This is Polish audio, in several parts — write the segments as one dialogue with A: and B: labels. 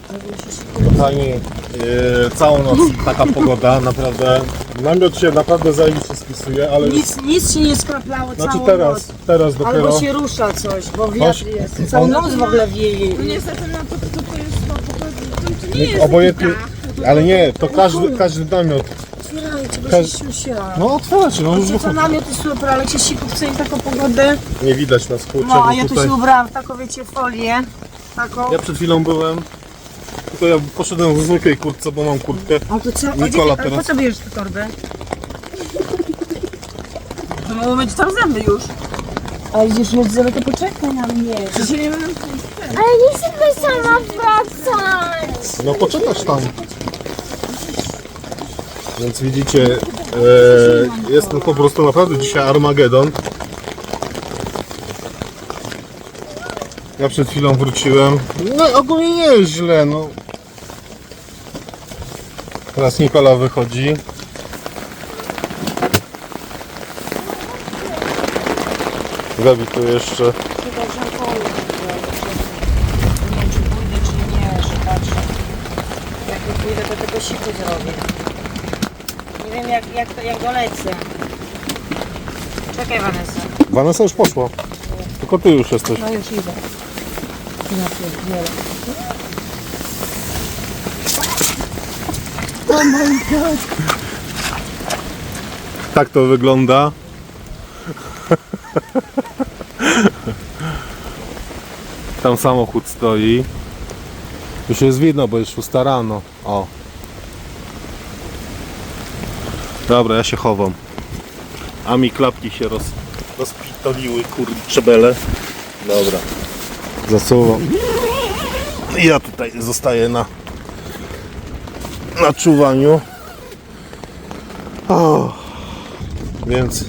A: Kochani, całą noc taka pogoda, naprawdę. Namiot się naprawdę zajebiście spisuje, ale...
B: Nic się nie skraplało
A: Znaczy
B: całą
A: teraz dopiero...
B: Albo się rusza coś, bo wiatr jest. Całą noc w ogóle wieje.
C: No niestety no to jest to nie jest
A: Obojętnie, ale nie, to każdy namiot.
B: Otwierajcie, bo się siusia.
A: No otwierajcie, no już
B: To namiot jest super, ale się siku chce taką pogodę.
A: nie widać nas, kurczę,
B: No, a
A: bo
B: ja tu
A: tutaj...
B: się ubrałam w taką, wiecie, folię. Taką.
A: Ja przed chwilą byłem, tylko ja poszedłem w zwykłej kurtce, bo mam kurtkę.
B: A to co?
A: Nikola
B: A po
A: teraz...
B: co bierzesz tę torbę? To mogło być tam zęby już. A idziesz mieć zęby, to poczekaj na mnie. Przecież nie będę...
C: Ale nie chcę sama wracać.
A: No poczekasz tam. Więc widzicie, jest to po prostu naprawdę dzisiaj Armagedon. Ja przed chwilą wróciłem. No ogólnie nie jest źle, no. Teraz Nikola wychodzi. Gabi tu jeszcze.
B: Nie wiem, czy pójdę, czy nie, że patrzę. Jak nie pójdę, to tylko siku zrobię. Nie wiem, jak dolecę. Czekaj, Vanessa.
A: Vanessa już poszła. Tylko ty już jesteś.
B: No już idę. Ja pierdzielę. Oh my god.
A: Tak to wygląda. Tam samochód stoi. Już jest widno, bo jest 6 rano. O. Dobra, ja się chowam. A mi klapki się rozpitoliły, kurcze bele. Dobra. Zasuwam. Ja tutaj zostaję na czuwaniu. O. Więc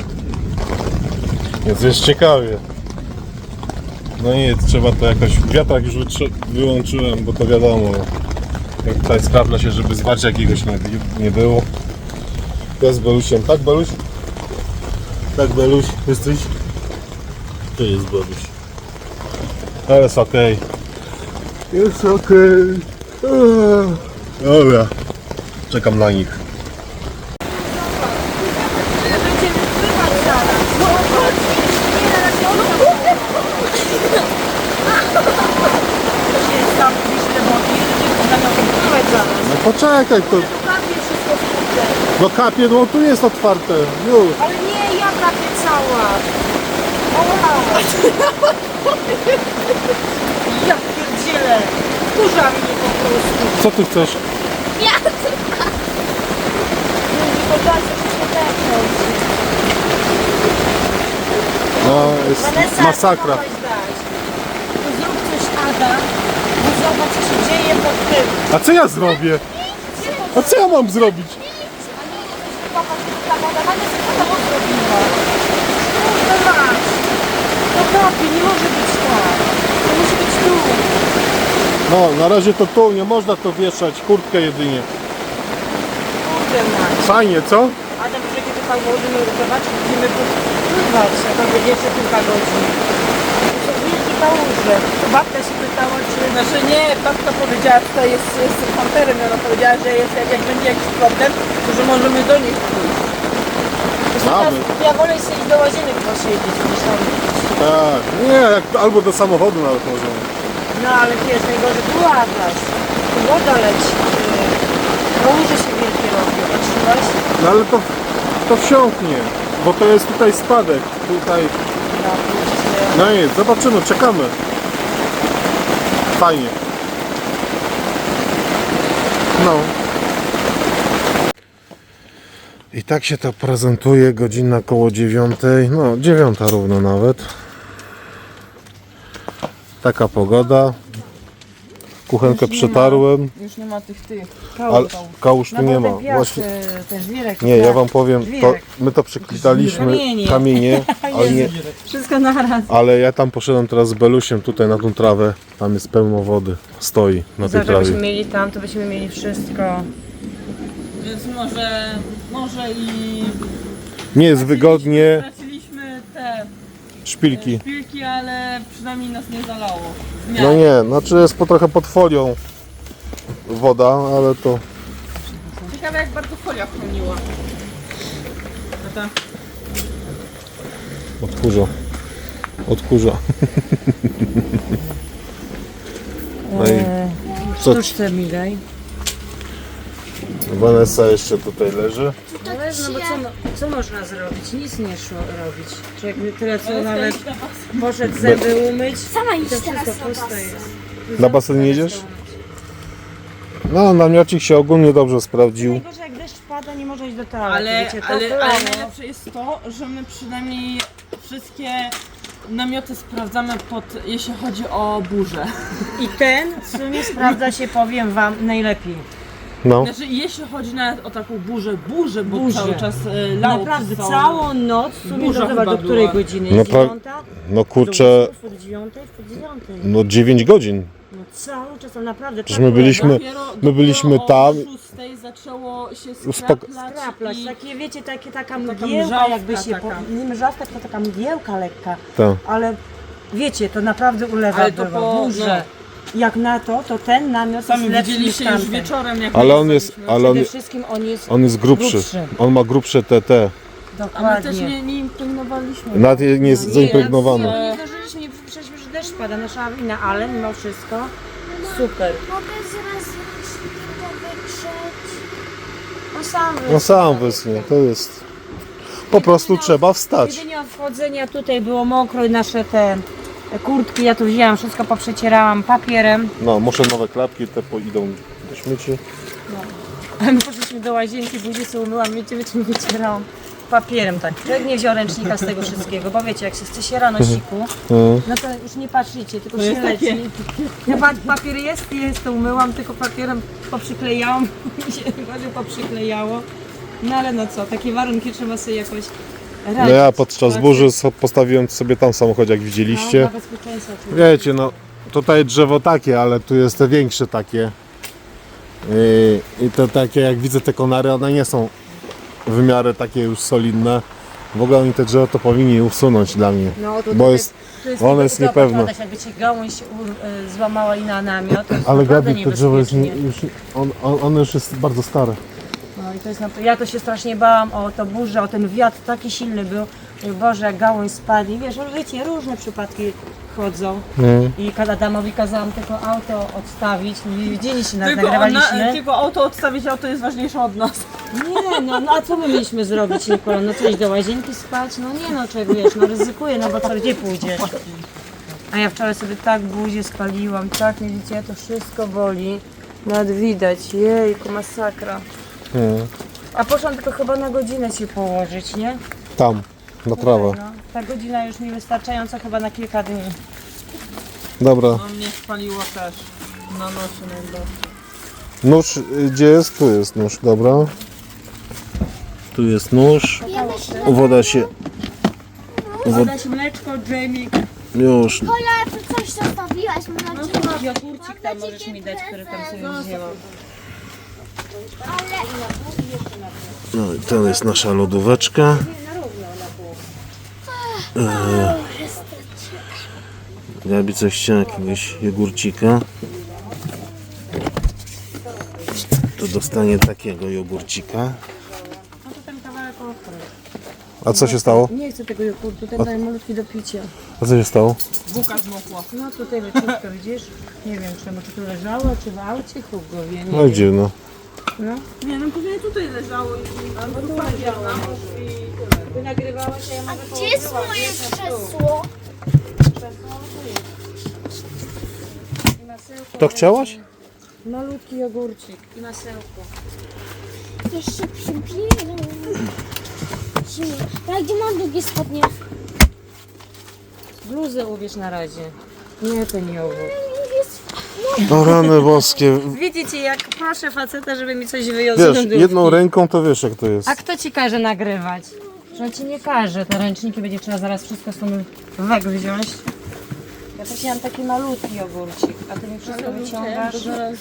A: jest ciekawie. No i trzeba to jakoś... Wiatrak już wyłączyłem, bo to wiadomo. Jak tutaj sprawdza się, żeby zwarcia jakiegoś nie było. Ja z Belusiem. Tak, Beluś? Tak, Beluś? Jesteś? To jest Beluś. Ale jest okej. Jest okej. Dobra. Czekam na nich. No poczekaj, to... No kapie, no tu jest otwarte. Już.
B: Ale nie, ja prawie cała. Oła. Ja pierdzielę. Kurza mnie po prostu.
A: Co ty chcesz?
C: Ja chcę.
B: Nie podaj się przetechnąć.
A: No, jest
B: Vanessa,
A: masakra.
B: co mogłaś dać? To zrób coś, Ada. Bo zobacz, co się dzieje pod tym.
A: A co ja zrobię? A co ja mam zrobić?
B: Kurde mać. To kapie, nie może być tak. To musi być tu.
A: No, na razie to tu, nie można to wieszać, kurtkę jedynie.
B: Kurde mać.
A: Fajnie, co?
B: Adam, że kiedy pan możemy uratować, będziemy pływać, jak on będzie jeszcze kilka godzin. To są wielkie kałuże. Babka się pytała, czy...
C: Znaczy nie, babka powiedziała, tutaj jest panterem, ona powiedziała, że jest, jak będzie jakiś problem, to że możemy do nich pójść.
B: Ja wolę sobie iść do łazienek posiedzieć niż tam.
A: Tak, nie, albo do samochodu nawet możemy.
B: No ale wiesz, najgorzej tu atlas. Tu woda leci. Kałuże się wielkie robią. Patrzyłaś?
A: No ale to wsiąknie, bo to jest tutaj spadek, tutaj.
B: No, kurczę.
A: No i zobaczymy, czekamy. Fajnie. No. I tak się to prezentuje, godzina koło 9, no 9 równo nawet. Taka pogoda. Kuchenkę przetarłem,
C: Już nie ma tych
A: ale kałuż tu nie ma. Właśnie,
B: Ten żwirek.
A: nie, ja wam powiem, to, my to przyklitaliśmy kamienie, ale, nie,
B: Wszystko naraz.
A: ale ja tam poszedłem teraz z Belusiem tutaj na tą trawę. Tam jest pełno wody, stoi na tej
B: Zobacz,
A: trawie.
B: jakbyśmy mieli tam, to byśmy mieli wszystko.
C: Więc może i...
A: Nie jest wygodnie,
C: Straciliśmy te
A: szpilki.
C: szpilki, ale przynajmniej nas nie zalało.
A: No nie, znaczy jest trochę pod folią. woda, ale to...
C: Ciekawe jak bardzo folia chroniła. Tata.
A: Odkurza. No i co?
B: Sztuczce mi daj.
A: Vanessa jeszcze tutaj leży.
B: Ale no bo co można zrobić? Nic nie szło robić. Człowiek tyle co nawet poszedł zęby umyć.
D: Sama
B: To
D: iść teraz
B: wszystko
D: na
B: puste
D: was.
B: jest.
A: Na basen nie jedziesz? No, namiocik się ogólnie dobrze sprawdził.
B: Najgorzej jak deszcz pada, nie może iść do toalety.
C: Ale
B: wiecie, to
C: ale
B: kolano.
C: najlepsze jest to, że my przynajmniej wszystkie namioty sprawdzamy jeśli chodzi o burzę.
B: I ten w sumie sprawdza się, powiem wam, najlepiej.
A: No.
C: Znaczy jeśli chodzi nawet o taką burzę, bo
B: Burzę.
C: cały czas lało
B: Naprawdę
C: przez
B: całą noc, w sumie
C: Burza
B: do
C: chyba
B: której
C: była.
B: godziny?
A: No
B: 9?
A: No kurczę,
B: Do 8, 9, po 9.
A: no 9 godzin.
B: No cały czas, to naprawdę
A: Przecież my byliśmy
C: o
A: tam.
C: 6 zaczęło się
A: Uspoko-
B: Skraplać,
C: i
B: takie wiecie, taka
C: Taka
B: mgiełka
C: mrzawka
B: jakby się,
C: taka.
B: nie mrzawka, tylko taka mgiełka lekka,
A: Tak.
B: ale wiecie, to naprawdę ulewa
C: Ale to
B: bywa,
C: po-
B: burze. Jak na to ten namiot
C: sami
B: jest lepszy niż
C: widzieliście już
B: tamten.
C: wieczorem jak
A: Ale
C: my
A: on jest,
C: jechaliśmy.
A: ale
B: Przede wszystkim on jest
A: grubszy. On ma grubsze TT.
C: A my też
B: dokładnie.
C: nie impregnowaliśmy.
A: Nawet nie jest
B: Nie,
A: zaimpregnowany.
B: nie zdążyliśmy, nie przeszliśmy, że deszcz pada, nasza wina, ale mimo wszystko super.
D: Mogę zaraz ręcznika wytrzeć.
B: On sam
A: No sam wysnie, to jest... Po prostu trzeba wstać.
B: Jedynie od wchodzenia tutaj było mokro i nasze te kurtki, ja tu wzięłam, wszystko poprzecierałam papierem.
A: No, muszę nowe klapki, te idą do śmieci.
B: A my poszliśmy do łazienki, buzię sobie umyłam, wiecie, czym wycierałam? Papierem tak. Człowiek nie wziął ręcznika z tego wszystkiego, bo wiecie, jak się chce się rano siku, no to już nie patrzycie, tylko się
C: jest
B: leci.
C: takie.
B: Ja papier jest, to umyłam, tylko papierem poprzyklejałam, mi się gorzej poprzyklejało. No ale no co, takie warunki trzeba sobie jakoś
A: No
B: radzić.
A: ja podczas burzy postawiłem sobie tam samochód, jak widzieliście.
B: No, dla bezpieczeństwa człowieka.
A: Wiecie, no tutaj drzewo takie, ale tu jest te większe takie. I to takie, jak widzę te konary, one nie są w miarę takie już solidne. W ogóle oni te drzewo to powinni usunąć dla mnie.
B: No, to
A: Bo
B: tutaj-
A: jest,
B: to jest
A: ono jest
B: tylko
A: niepewne.
B: podkładać, jakby ci gałąź złamała i na namiot, to jest
A: Ale
B: naprawdę
A: Gabi, to drzewo jest
B: niebezpiecznie.
A: już, ono już jest bardzo stare.
B: No i to jest ja to się strasznie bałam o to burzę, o ten wiatr taki silny był. Mówię, Boże, jak gałąź spadnie. Wiesz, wiecie, różne przypadki chodzą. I Adamowi kazałam tylko auto odstawić. Nie widzieliście, nas nagrywaliśmy.
C: Tylko auto odstawić, auto jest ważniejsze od nas.
B: Nie, no a co my mieliśmy zrobić, Nikola? No coś do łazienki spać? No nie no, czego wiesz, no ryzykuję, no bo co, gdzie pójdziesz? A ja wczoraj sobie tak buzię spaliłam, tak, nie widzicie, to wszystko boli. Nawet widać, jejku, masakra. A poszłam tylko chyba na godzinę się położyć, nie?
A: Tam, na trawę.
B: No, ta godzina już mi wystarczająca chyba na kilka dni.
A: Dobra.
C: No mnie spaliło też. Na nocy najbardziej.
A: Nóż, gdzie jest? Tu jest nóż, dobra. Tu jest nóż. Woda się...
B: Woda się mleczko, dżemik.
A: Już.
D: Kola, ty coś zostawiłaś, mam nadzieję.
B: Jogurcik tam możesz mi dać, który tam sobie wzięłam.
D: Ale
A: No i to jest nasza lodóweczka. Gabi coś chciała, jakiegoś jogurcika. To dostanie takiego jogurcika.
B: No to ten kawałek ostry.
A: A co się stało?
B: Nie chcę tego jogurtu, ten daje malutki do picia.
A: A co się stało?
C: Bułka zmokła.
B: No tutaj leciutko, widzisz? Nie wiem czemu, czy tu leżało, czy w aucie, chłop go wie, nie
A: No i
B: wiem.
A: dziwno.
B: No.
C: Nie, no pewnie tutaj leżało i albo tu papier na nóż i tyle.
B: Ty nagrywałaś, a ja mogę
D: gdzie jest moje krzesło?
B: I masełko.
A: To chciałaś?
B: Malutki jogurcik i masełko.
D: Jeszcze przybieram. Ale gdzie mam długie spodnie?
B: Bluzę ubierz na razie. Nie, to nie owoc.
A: O rany boskie.
B: Widzicie, jak proszę faceta, żeby mi coś wyjął z
A: Wiesz,
B: lodówki.
A: jedną ręką to wiesz jak to jest.
B: A kto ci każe nagrywać? Że ci nie każe. Te ręczniki będzie trzeba zaraz wszystko stąd wziąć. Ja prosiłam taki malutki jogurcik, a ty mi wszystko wyciągasz.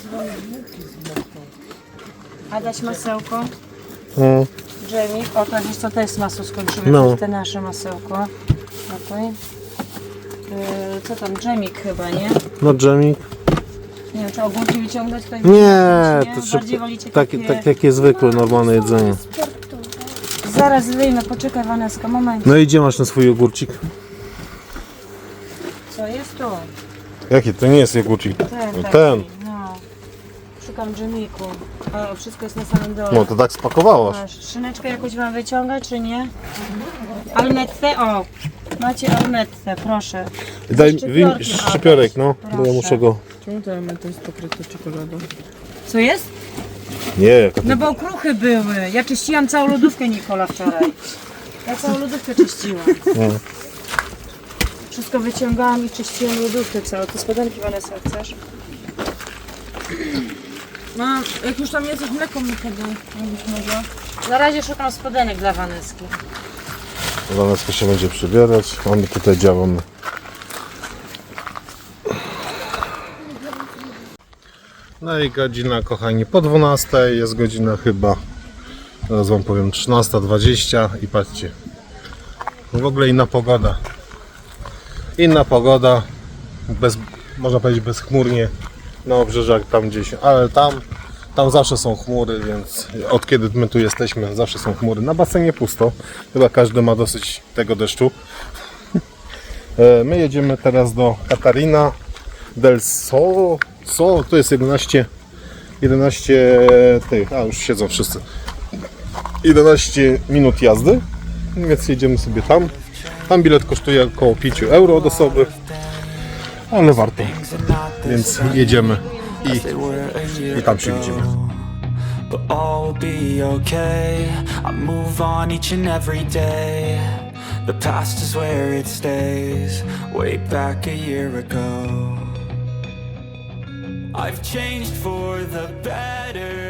B: A dać masełko?
A: No.
B: Dżemik. O, to wiesz co, to jest masło skończymy.
A: No.
B: To jest te nasze masełko. Tutaj. Co tam? Dżemik chyba, nie?
A: No dżemik.
B: Nie Czy ogórki wyciągać tutaj?
A: Nie, to
B: Bardziej
A: szybko.
B: wolicie
A: Tak, takie zwykłe, normalne jedzenie.
D: Sportowe.
B: Zaraz wyjmę, poczekaj Waneska, moment.
A: No i gdzie masz ten swój ogórcik?
B: Co jest tu?
A: Jaki? To nie jest jogurcik.
B: Ten,
A: No
B: taki,
A: ten.
B: no. Szukam dżemiku. O, wszystko jest na samym dole.
A: No to tak spakowałaś.
B: Masz szyneczkę jakąś mam wyciągać, czy nie? Alnette, o! Macie alnette, proszę.
A: Daj
B: Szczypiorkiem,
A: szczypiorek, no. Bo ja
B: Proszę.
A: muszę go...
C: Czemu to element jest pokryty czekoladą?
B: Co jest?
A: Nie, jaka
B: No bo okruchy były. Ja czyściłam całą lodówkę, Nikola, wczoraj. Ja całą lodówkę czyściłam.
A: No.
B: Wszystko wyciągałam i czyściłam lodówkę całą. To spodenki, Vanessa, chcesz?
C: No, jak już tam jesteś, mleko mi podaj, jakbyś mogła.
B: Na razie szukam spodenek dla Vaneski.
A: Vaneska się będzie przybierać, a my tutaj działamy. No i godzina, kochani, po 12, jest godzina chyba, zaraz wam powiem, 13:20 i patrzcie, w ogóle inna pogoda. Inna pogoda, można powiedzieć bezchmurnie na obrzeżach tam gdzieś, ale tam zawsze są chmury, więc od kiedy my tu jesteśmy, zawsze są chmury. Na basenie pusto, chyba każdy ma dosyć tego deszczu. My jedziemy teraz do Catarina del Sol, to jest 11 tych, już siedzą wszyscy. 11 minut jazdy, więc jedziemy sobie tam. Tam bilet kosztuje około 5 euro od osoby, ale warto, więc jedziemy i tam się widzimy.
E: But all will be okay. I move on each and every day. The past is where it stays. Way back a year ago, I've changed for the better.